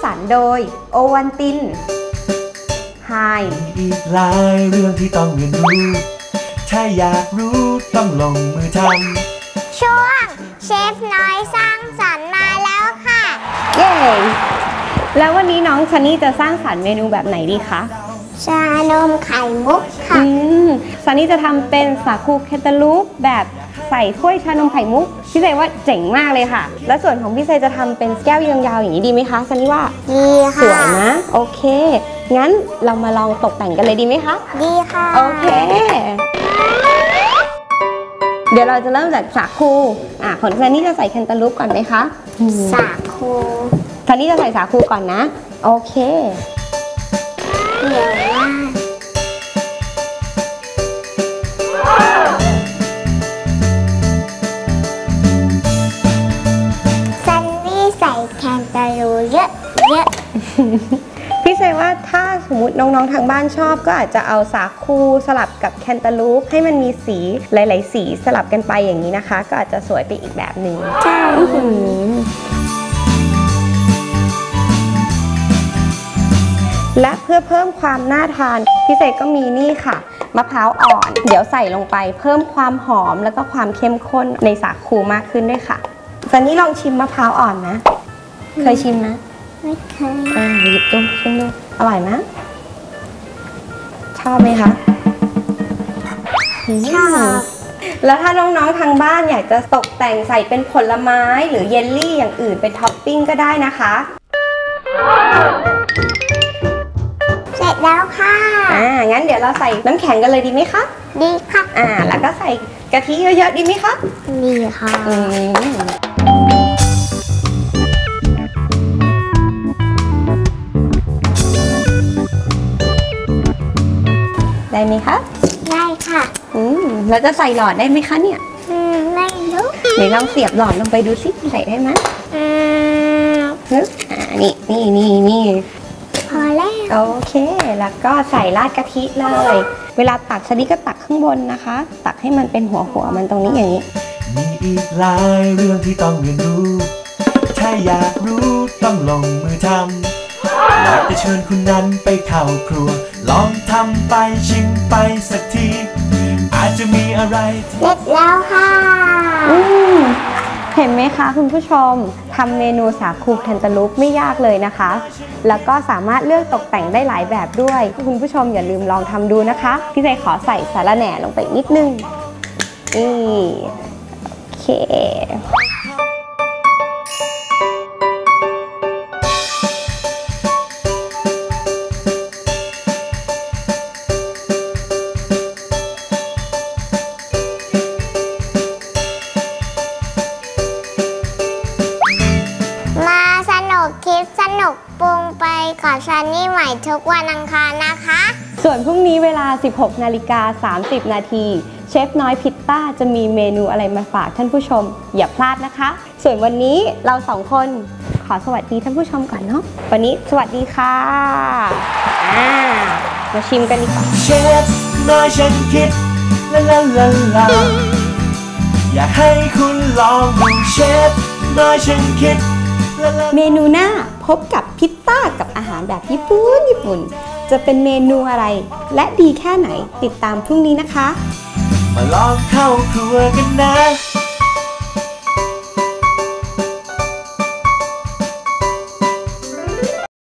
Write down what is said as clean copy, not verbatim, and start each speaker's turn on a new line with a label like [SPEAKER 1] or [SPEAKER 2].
[SPEAKER 1] รรค์โดยโอวันตินไฮ
[SPEAKER 2] อีกหลายเรื่องที่ต้องเรียนรู้ถ้าอยากรู้ต้องลงมือท
[SPEAKER 3] ำช่วงเชฟน้อยสร้างสรรค์มาแล้วค่ะ
[SPEAKER 1] เย้แล้ววันนี้น้องซันนี่จะสร้างสรรค์เมนูแบบไหนดีคะ
[SPEAKER 3] ชานมไข่มุกค่ะ
[SPEAKER 1] ซันนี่จะทำเป็นสาคูแคนตาลูปแบบใส่ถ้วยชานมไข่มุกพี่เซว่าเจ๋งมากเลยค่ะและส่วนของพี่เซจะทำเป็นแก้วยาวๆอย่างนี้ดีไหมคะซันนี่ว่า
[SPEAKER 3] ดีค่ะ
[SPEAKER 1] สวยนะโอเคงั้นเรามาลองตกแต่งกันเลยดีไหมคะ
[SPEAKER 3] ดีค่ะ
[SPEAKER 1] โอเคเดี๋ยวเราจะเริ่มจากสาคูของซันนี่จะใส่แคนตาลูปก่อนไหมคะ
[SPEAKER 3] สาคู
[SPEAKER 1] ซันนี่จะใส่สาคูก่อนนะโอเค
[SPEAKER 3] เดี๋ยวว่าซันนี่ใส่แคนตาลูปเยอะ
[SPEAKER 1] พี่เซว่าถ้าสมมติน้องๆทางบ้านชอบก็อาจจะเอาสาคูสลับกับแคนตาลูปให้มันมีสีหลายๆสีสลับกันไปอย่างนี้นะคะก็อาจจะสวยไปอีกแบบหนึ่ง
[SPEAKER 3] ใช่
[SPEAKER 1] และเพื่อเพิ่มความน่าทานพี่เซก็มีนี่ค่ะมะพร้าวอ่อนเดี๋ยวใส่ลงไปเพิ่มความหอมแล้วก็ความเข้มข้นในสาคูมากขึ้นด้วยค่ะซันนี่ลองชิมมะพร้าวอ่อนนะเคยชิมนะ
[SPEAKER 3] ไม่เคย
[SPEAKER 1] หยิบดูชิมดูอร่อยไหมชอบไหมคะ
[SPEAKER 3] ชอบ
[SPEAKER 1] แล้วถ้าน้องๆทางบ้านอยากจะตกแต่งใส่เป็นผลไม้หรือเยลลี่อย่างอื่นเป็นท็อปปิ้งก็ได้นะคะ
[SPEAKER 3] เสร็จแล้วค่ะ
[SPEAKER 1] งั้นเดี๋ยวเราใส่น้ำแข็งกันเลยดีไหมคะ
[SPEAKER 3] ดีค่ะ
[SPEAKER 1] แล้วก็ใส่กะทิเยอะๆดีไหมคะ
[SPEAKER 3] ดีค่ะ
[SPEAKER 1] ได้ไหมคะ
[SPEAKER 3] ได้ค่ะ
[SPEAKER 1] แล้วจะใส่หลอดได้ไหมคะเนี่ย
[SPEAKER 3] ไม่รู้
[SPEAKER 1] เดี๋ยวลองเสียบหลอดลงไปดูสิใส่ได้ไหมนี่
[SPEAKER 3] พอแล้ว
[SPEAKER 1] โอเคแล้วก็ใส่ราดกะทิเลยเวลาตักซันนี่ก็ตักข้างบนนะคะตักให้มันเป็นหัวมันตรงนี้อย่างนี้
[SPEAKER 2] มีอีกหลายเรื่องที่ต้องเรียนรู้ถ้าอยากรู้ต้องลงมือทำอยากจะเชิญคุณนั้นไปเข้าครัวลองทำไปชิมไปสักทีอาจจะมีอะไร
[SPEAKER 3] เสร็จแล้วค่ะ
[SPEAKER 1] เห็นไหมคะคุณผู้ชมทำเมนูสาคูแคนตาลูปไม่ยากเลยนะคะแล้วก็สามารถเลือกตกแต่งได้หลายแบบด้วยคุณผู้ชมอย่าลืมลองทำดูนะคะพี่ใจขอใส่สาระแหน่ลงไปนิดนึงโอเค
[SPEAKER 3] สนุกปรุงไปกับซันนี่ใหม่ทุกวันอังคารนะคะ
[SPEAKER 1] ส่วนพรุ่งนี้เวลา 16:30 นาทีเชฟน้อยพิตต้าจะมีเมนูอะไรมาฝากท่านผู้ชมอย่าพลาดนะคะส่วนวันนี้เราสองคนขอสวัสดีท่านผู้ชมก่อนเนาะวันนี้สวัสดีค่ะมาชิมกันดีกว่า
[SPEAKER 2] เชฟน้อยฉันคิดลาอยากให้คุณลองดูเชฟน้อยฉันคิด
[SPEAKER 1] เมนูหน้าพบกับพิตต้ากับอาหารแบบญี่ปุ่นจะเป็นเมนูอะไรและดีแค่ไหนติดตามพรุ่งนี้นะคะ
[SPEAKER 2] มาลองเข้าครัวกันนะ